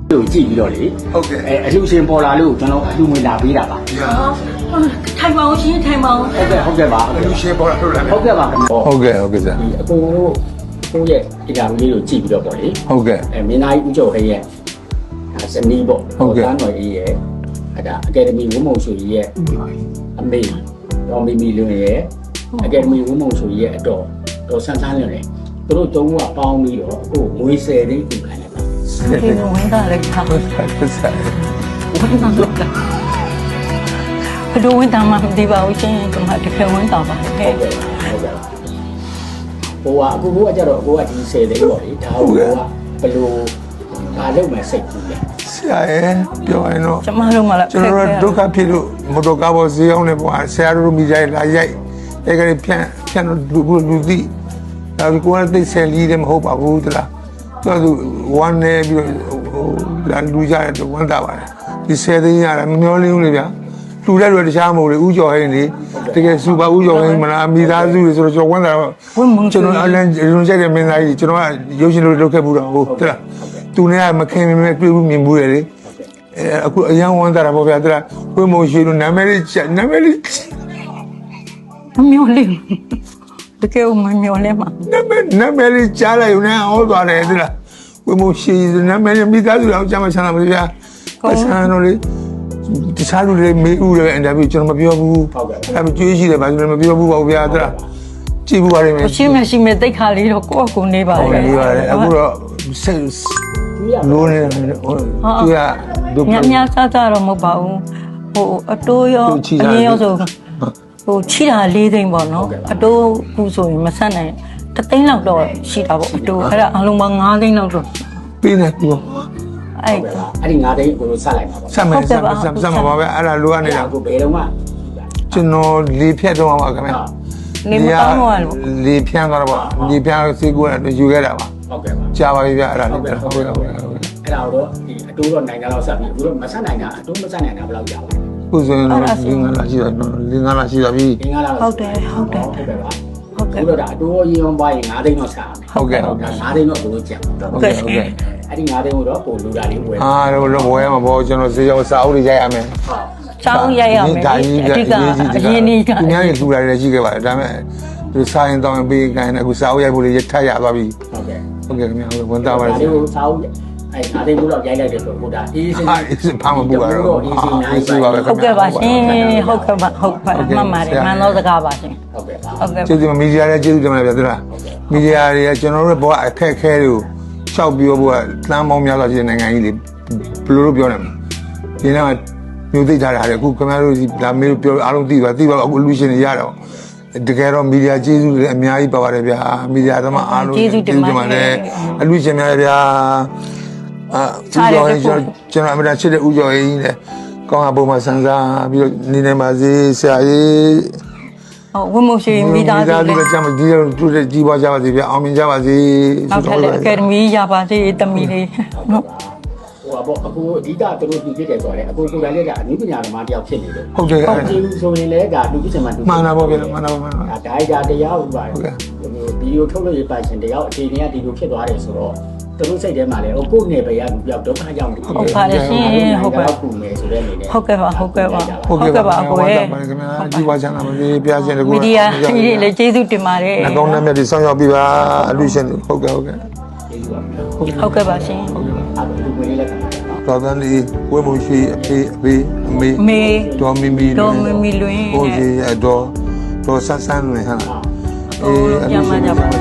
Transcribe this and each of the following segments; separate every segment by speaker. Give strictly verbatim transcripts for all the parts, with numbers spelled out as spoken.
Speaker 1: တို့ကြည့်ပြီးတော့လေဟုတ်ကဲ့အဲအလှရှင်ပေါ်လာလို့ကျွန်တော်အလှငွေလာပေးတာပါ
Speaker 2: ထိုင်ပါအောင်ရှင်ထိုင်ပါအောင်
Speaker 1: ဟုတ်ကဲ့ဟုတ်ကဲ့ပါအလှရှင်ပေါ်လာလို့လာဟုတ်ကဲ့ပါ
Speaker 3: ဟုတ်ကဲ့ဟုတ်ကဲ့စား
Speaker 1: အကုန်လုံးတို့ကိုယ့်ရဲ့ဒီကာလေးကိုကြည့်ပြီးတော့ပေါ့လေ
Speaker 3: ဟုတ်ကဲ့
Speaker 1: အဲမင်းသားကြီးဦးကျော်ဟဲ့ရဲ့ဇနီးပေါ့ဟုတ်ကဲ့တော်ကြီးရဲ့အဲဒါအကယ်ဒမီဝုံမုံဆိုကြီးရဲ့အမေတော်မီမီလွင်ရဲ့အကယ်ဒမီဝုံမုံဆိုကြီးရဲ့အတော်တော်ဆန်းဆန်းလွင်လေသူတို့သုံးခုကပေါင်းပြီးတော့အခုငွေဆယ်သိန်းကူခိုင်းတယ်ပါ
Speaker 2: ဒီလိုဝင်တာလည်းထား
Speaker 3: ဟုတ်ကဲ့စား
Speaker 2: ဝင်တာတော့ဘယ်လိုဝင်တာမှမသိပါဘူးရှင်ကမှတကယ်ဝင်တာပါဟုတ်ကဲ့
Speaker 1: ဟုတ်ကဲ့ဟုတ်ကဲ့ဟိုကအခုကကြတော့ကိုကဒီဆယ်သိန်းပေါ့လေဒါကိုကဘယ်လိုဒါလုပ်မယ်စိတ်ကူးလဲ
Speaker 3: ဆရာရဲ့ပြောရင်တော့
Speaker 2: ကျမတို့မှလည်း
Speaker 3: ကျွန်တော်တို့ဒုက္ခဖြစ်လို့မတော်ကားပေါ်ဈေးအောင်နေပေါ့ဆရာတို့မိကြလာရိုက်အဲကလေးဖြန့်ဖြန့်လို့လူလူသိဒါကကိုယ်ကသိဆယ်လီတယ်မဟုတ်ပါဘူးတလားသူကသူဝမ်းနေပြီးတော့လာလူကြတယ်ဝမ်းတာပါတယ်ဒီဆယ်သိန်းရတယ်မမျောလင်းဘူးလေဗျာလူတဲ့လူတခြားမဟုတ်လေဥကျော်ဟင်းလေတကယ်စူပါဥကျော်ဟင်းမလားမိသားစုတွေဆိုတော့ကျွန်တော်ဝမ်းတာကျွန်တော်အလန်ရုံချက်တဲ့မင်းသားကြီးကျွန်တော်ကရုပ်ရှင်လိုလုပ်ခဲ့ဘူးတော့ဟုတ်တလားသူနဲ့မခင်မမဲတွေ့ဘူးမြင်ဘူးလေအဲအခုအရန်ဝမ်းတာပေါ့ဗျာတလားဝင်းမုံရှိလို့နာမည်လေးနာမည်လေး
Speaker 2: မမျောလင်းတကယ်မမျောလင်းမှာ
Speaker 3: နာမည်နာမည်လေးကြားလိုက်ဦးနဲ့ဟောသွားတယ်တလားဝင်းမုံရှိနာမည်လေးမိသားစုအောင်ကြားမချမ်းသာပါဗျာပတ်စံတော့လေတခြားလူတွေမေးဦးတယ်အင်တာဗျူးကျွန်တော်မပြောဘူးဟုတ်ကဲ့အဲ့ဒါကြွေးရှိတယ်ဗျာကျွန်တော်မပြောဘူးပါဗျာတလားကြည့်ဘူးပါလိမ့်မယ်
Speaker 2: ရှိမရှိမဲ့တိတ်ခါလေးတော့ကိုယ့်အကူနေပါလေ
Speaker 3: နေပါတယ်အခုတော့ဆက်လို့နေတယ်ဟိုသူက
Speaker 2: ညညစားစားတော့မဟုတ်ပါဘူးဟိုအတိုးရောအငင်းရောဆိုဟိုချိတာ၄သိန်းပေါ့နော်အတိုးကူဆိုရင်မဆက်နိုင်တသိန်းလောက်တော့ရှိတာပေါ့အတိုးအဲ့ဒါအလုံးပေါင်း၅သိန်းလောက်တော့
Speaker 3: ပြီးနေကူ
Speaker 1: အဲ့အဲ့ဒီ၅သိန်းကိုလို့ဆက်လိုက်ပါပါ
Speaker 3: ဆက်မယ်ဆက်မယ်ဆက်မှာပါပဲအဲ့ဒါလိုကနေတော့
Speaker 1: ကိုဘယ်တော့မှ
Speaker 3: ကျွန်တော်လေဖြတ်တော့ပါခင်ဗျ
Speaker 2: လေမကောင်းတော့လို့
Speaker 3: လေဖြန်းသွားတော့ပါလေဖြန်းစေးကိုယူခဲ့တာပါ
Speaker 1: ဟုတ်ကဲ့ပါ
Speaker 3: ကြာပါပြီဗျအဲ့ဒါလေးဟုတ်
Speaker 1: ကဲ့ဟုတ်ကဲ့အဲ့ဒါတော့ဒီအတိုးတော့နိုင်ငံတော်ဆက်ပြီးအခုတော့မဆက်နိုင်တာအတိုးမဆက်နိုင်တာဘယ်လောက်ကြာပါလဲ
Speaker 3: ခုဆိုရင်တော့လင်းငါလာရှိတာလင်းငါလာရှိတာပြီ
Speaker 1: လင်းငါလာ
Speaker 2: ဟုတ်တယ်ဟုတ်တယ်
Speaker 1: ဟုတ်ကဲ့ပါဟုတ်ကဲ့တော့ဒါအတိုးရေအောင်ပါရင်၅သိန်းတော့ဆက်အောင်
Speaker 3: ဟုတ်ကဲ့ဟုတ်ကဲ့
Speaker 1: ၅သိန်းတော့ဘယ်လိုကျန်
Speaker 3: ဟုတ်ကဲ့ဟုတ်ကဲ့
Speaker 1: အဲ့ဒီ၅သိန်းကိုတော့ပို့လူတာလေးဝယ်
Speaker 3: အာတော့ဝယ်မှာပေါ့ကျွန်တော်ဈေးရောက်စာအုပ်တွေရိုက်ရမယ်
Speaker 2: စာအုပ်ရိုက်ရမယ်အဓိကအရင်နေ့က
Speaker 3: သူများကြီးလူလာတွေရှိခဲ့ပါတယ်ဒါပေမဲ့သူစာရင်တောင်းပေးခိုင်းတယ်အခုစာအုပ်ရိုက်ဖို့လေးထပ်ရသွားပြီ
Speaker 1: ဟုတ်ကဲ့
Speaker 3: ဟုတ်ကဲ့ခင်ဗျာဝန်တာပါတယ်
Speaker 1: ဒီကိုစာအုပ်အဲ့၅သိန်းလောက်ရိုက်လိုက်တယ်ဆိုတော့ဒါအေးစင်း
Speaker 3: အေးစင်းဖမ်းမပူပါတော့
Speaker 1: အေးစင်းနိုင်ပါပဲ
Speaker 2: ဟုတ်ကဲ့ပါရှင်ဟုတ်ကဲ့ပါဟုတ်ပါမှန်ပါတယ်မှန်တော့စကားပါရှင်
Speaker 1: ဟုတ်ကဲ့ပါ
Speaker 2: ဟုတ်ကဲ့
Speaker 3: ကျေးဇူးမီဒီယာရဲ့ကျေးဇူးတင်ပါတယ်ဗျာသူလားမီဒီယာတွေကကျွန်တော်တို့ဘောအခက်အခဲတွေကိုရှောက်ပြောဖို့ကတန်းပေါင်းများစွာရှိတဲ့နိုင်ငံကြီးတွေဘယ်လိုလုပ်ပြောနိုင်မလဲဒီနေ့ကမျိုးသိထားတာလေအခုခင်ဗျားတို့ဒါမေးလို့ပြောအားလုံးသိပါသိပါအခုလူရှင်တွေရတော့တကယ်တော့မီဒီယာကျေးဇူးတွေအများကြီးပါပါတယ်ဗျာမီဒီယာသမားအားလုံး
Speaker 2: ကျေးဇူးတင်ပါတယ်
Speaker 3: အလူရှင်များဗျာအာဦးကျော်ရင်ကျွန်တော်အမြဲတမ်းချစ်တဲ့ဦးကျော်ရင်လေကောင်းတာပုံမှန်စံစားပြီးတော့နေနေပါစေဆရာကြီး
Speaker 2: ဟုတ်ဝင်းမို့ရှိမိသားစု
Speaker 3: လေးမိသားစုကကြမှာဒီလိုတူတဲ့ကြီးပွားကြပါစေဗျာအောင်မြင်ကြပါစေ
Speaker 2: နောက်ထပ်လည်းအကယ်ဒမီရပါစေတမီလေးနော်
Speaker 1: ဟိုပေါ့အခုအဓိကသူတို့ဒီဖြစ်တယ်ဆိုတော့အခုကိုယ်တိုင်လည်းဒါအနည်းပညာသမားတယောက်ဖြစ်နေလို့
Speaker 3: ဟုတ်တယ်
Speaker 1: ဟုတ်ကြည့်လို့ဆိုရင်လည်းဒါလူဖြစ်ချင်မှလူ
Speaker 3: မှန်တာပေါ့ဗျာမှန်တာပေါ့မှန်တာ
Speaker 1: ဒါဒါဒါတရားဥပါဟုတ်ကဲ့ဗီဒီယိုထုတ်လို့ရပါရှင်တယောက်အခြေအနေကဒီလိုဖြစ်သွားတယ်ဆိုတော့သူတို့စိတ်ထဲမှာလည်းဟိုကိုယ်နယ်ပဲရလူပြောက်ဒုက္ခရောက်နေတယ်
Speaker 2: ဟုတ်ပါတယ်ရှင်ဟုတ်ပါ
Speaker 1: ဘူးမယ်ဆိုတဲ့အနေနဲ့
Speaker 2: ဟုတ်ကဲ့ပါဟုတ်ကဲ့ပါ
Speaker 3: ဟုတ်ကဲ့ပါအကိုရဲ့ခင်ဗျာကြီးပွားချမ်းသာပါစေပြားရှင်တကူ
Speaker 2: မီဒီယာကြီးတွေလည်းကျေးဇူးတင်ပါတယ်
Speaker 3: အကောင်းနဲ့မြတ်ဒီဆောင်ရောက်ပြီးပါအလူရှင်ဟုတ်ကဲ့ဟုတ်ကဲ့
Speaker 2: ဟုတ်ကဲ့ပါရှင်
Speaker 1: ဟုတ်ကဲ့ပါအခုကိုယ်လေးလည်း
Speaker 3: တော်တော်လေးဝဲမရှိအဖေအဖေအမေ
Speaker 2: မေ
Speaker 3: တော်မီမီ
Speaker 2: တော်မီမီလွင်
Speaker 3: ဟိုကြီးအတော်တော်ဆန်းဆန်းနေဟာ
Speaker 2: အေးအလူရှင်ပါ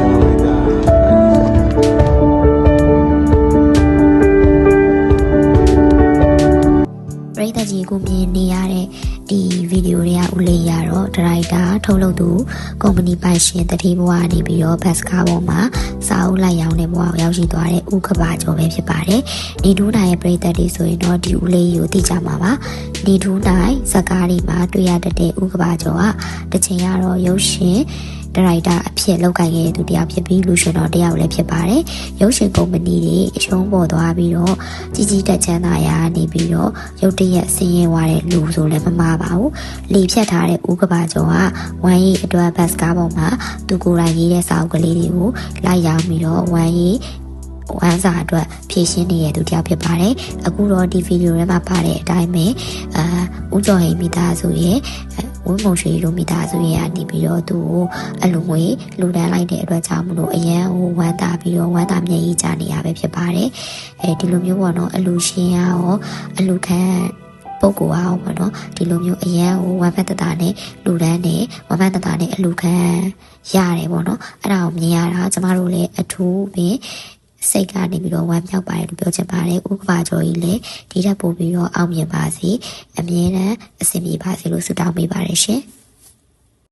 Speaker 4: ပရိသတ်ကြီးကိုမြင်နေရတဲ့ဒီဗီဒီယိုတွေကဦးလေးရတော့ဒရိုက်တာထုတ်လုပ်သူကုမ္ပဏီပိုင်ရှင်တတိဘဝနေပြီးတော့ဘတ်စကားပေါ်မှာစာအုပ်လိုက်ရောင်းတဲ့ဘဝကိုရောက်ရှိသွားတဲ့ဦးကဘာကျော်ပဲဖြစ်ပါတယ်။နေထူးနိုင်ရဲ့ပရိသတ်တွေဆိုရင်တော့ဒီဦးလေးကိုသိကြမှာပါ။နေထူးနိုင်ဇာတ်ကားတွေမှာတွေ့ရတဲ့ဦးကဘာကျော်ကတစ်ချိန်ကတော့ရုပ်ရှင်ဒါရိုက်တာအဖြစ်လောက်ကိုင်ခဲ့တဲ့သူတယောက်ဖြစ်ပြီးလူရှင်တော်တယောက်လည်းဖြစ်ပါတယ်။ရုပ်ရှင်ကုမ္ပဏီတွေအရှုံးပေါ်သွားပြီးတော့ကြီးကြီးတက်ချမ်းသာရာနေပြီးတော့ရုပ်တရက်ဆင်းရဲသွားတဲ့လူဆိုလည်းမမှားပါဘူး။လီဖြတ်ထားတဲ့ဦးကဘာကျော်ကဝမ်ရီအတွက်ဘတ်စကားပေါ်မှာသူကိုယ်တိုင်ရေးတဲ့စာအုပ်ကလေးတွေကိုလိုက်ရောင်းပြီးတော့ဝမ်ရီဝမ်းစာအတွက်ဖြည့်ရှင်းနေတဲ့သူတယောက်ဖြစ်ပါတယ်အခုတော့ဒီဗီဒီယိုထဲမှာပါတဲ့အတိုင်းပဲအာဦးကျော်ဟိန်မိသားစုရဲ့ဝင်းမုံရွှေလိုမိသားစုရဲ့အနေပြီးတော့သူကိုအလူငွေလူတန်းလိုက်တဲ့အတွက်ကြောင့်မလို့အရန်ဟိုဝမ်းသာပြီးတော့ဝမ်းသာမျက်ရည်ကျနေရပဲဖြစ်ပါတယ်အဲဒီလိုမျိုးပေါ့နော်အလူရှင်ရောအလူခံပုဂ္ဂိုလ်အောင်ပေါ့နော်ဒီလိုမျိုးအရန်ဟိုဝမ်းဖက်တတာနဲ့လူတန်းနဲ့ဝမ်းဖက်တတာနဲ့အလူခံရတယ်ပေါ့နော်အဲ့ဒါကိုမြင်ရတာကျမတို့လည်းအထူးပင်စိတ်ကနေပြီးတော့ဝမ်းမြောက်ပါတယ်လို့ပြောချင်ပါတယ်ဥက္ကပါကျော်ကြီးလည်းဒီထက်ပိုပြီးတော့အောင်မြင်ပါစေအမြဲတမ်းအဆင်ပြေပါစေလို့ဆုတောင်းပေးပါတယ်ရှင်